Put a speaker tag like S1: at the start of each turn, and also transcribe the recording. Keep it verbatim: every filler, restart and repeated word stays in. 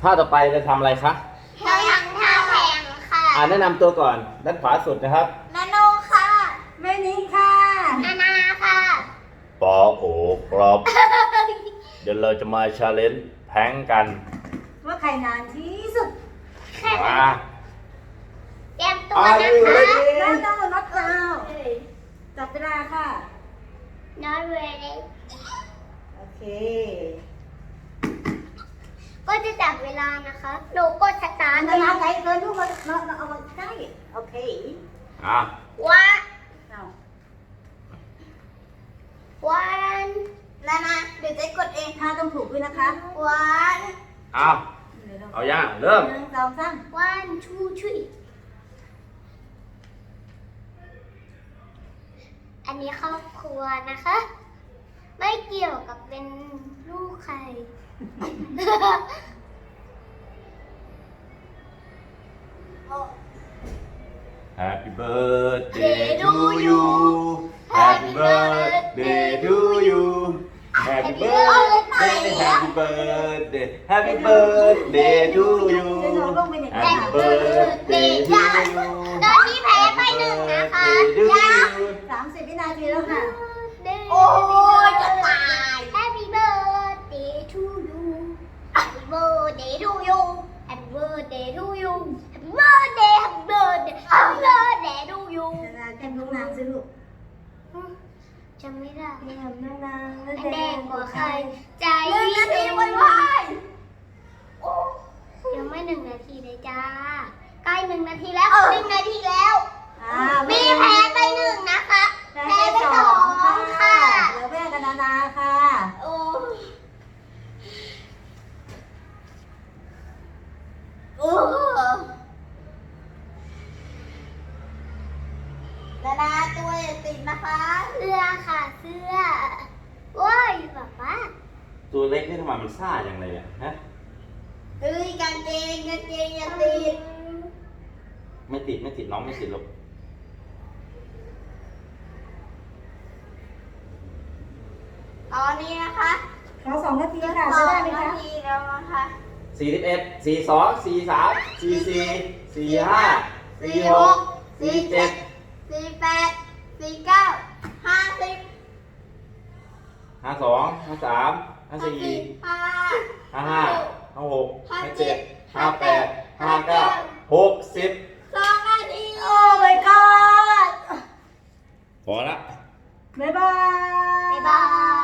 S1: ท่าต่อไปจะทำอะไรคะ
S2: เราทำท่าแข่งค่ะ
S1: อ่าแนะนำตัวก่อนด้านขวาสุดนะครับ
S2: นาโนค่ะ
S3: แม่นิค่ะ
S2: นานาค่ะ
S1: ปอโอครับ เดี๋ยวเราจะมาชาเลนจ์แพ้งกัน
S3: ว่าใครนานที่สุด
S1: มา
S2: เตรียมตัวนะคะ
S3: น้องน้องนัดเราจับเวลาค่ะ
S2: Not ready
S3: โอเค
S2: ก็จะจับเวลานะคะหนูกดสตาร์ท
S3: นานาใจเกินลูกมาน้องเอามาใกล้โอเค
S1: อ่ะ
S2: ว่า
S3: เอา
S2: วันนานาเดี๋ยวจะกดเอง
S3: ท่าต้องถูกด้วยนะคะ
S2: วัน
S1: เอาเอาย่างเริ่ม
S3: หนึ่งสองสาม
S2: วันทูทรีอันนี้ครอบครัวนะคะ ไม่เกี่ยวกับเป็นลูกใคร
S1: Happy birthday to you Happy birthday to you Happy birthday Happy birthday Happy birthday to you Happy birthday to you
S2: ตอนนี้แพ้ไปหนึ่งนะคะยัง
S3: สามสิบวินาทีแล้วค่ะ
S2: โอ้ยจะตาย Happy birthday to you Happy birthday to you Happy birthday to you Happy birthday Happy birthday Happy birthday to you
S3: นานาแก้มน้องนางสิลูก
S2: จำไม่ได้
S3: แก้มน้องนาง
S2: แดงกว่าใครใจ
S3: หนึ่งนาทีวันวาย
S2: ยังไม่หนึ่งนาทีเลยจ้าใกล้หนึ่งนาทีแล้วหนึ่งนาทีแล้ว มีแพ้ไปหนึ่งนะคะ
S3: แพ้
S2: แพ้
S3: ไป
S2: ไป
S3: ส
S2: ส
S3: อ
S2: อง ง
S3: ค่ะ
S2: ค่ะ
S3: เหลือแม่กับนานาค่ะ
S2: โอ้โอ้นานาตัวอย่าติดนะคะ เสื้อค่ะเสื้อว้ายป๊าป๊า
S1: ตัวเล็กนี่ทำไมมันซ่าอย่างไรอ่ะฮะ
S2: เฮ้ยกางเกงกางเกงอย่าติด
S1: ไม่ติดไม่ติดน้องไม่ติดหรอก
S2: ตอนนี้นะคะ
S3: ขอสองนาทีค่ะจะได้ไหม
S2: สอง
S3: คะ
S2: นาทีแล้วนะคะ
S1: สี่สิบเอ็ดสี่สองสี่สามสี่สี่สี่ห้าสี่หกสี่เจ็ด
S2: สี่แปดสี่เก้าห้าสิบ
S1: ห้าสองห้าสามห้าสี่
S2: ห้า
S1: ห้าห้าห้าหกห้าเจ็ดห้าแปดห้าเก้าหกสิบ
S2: สองนาที
S3: โอ้ my god
S1: พอละ
S3: บ๊ายบาย
S2: บ๊ายบาย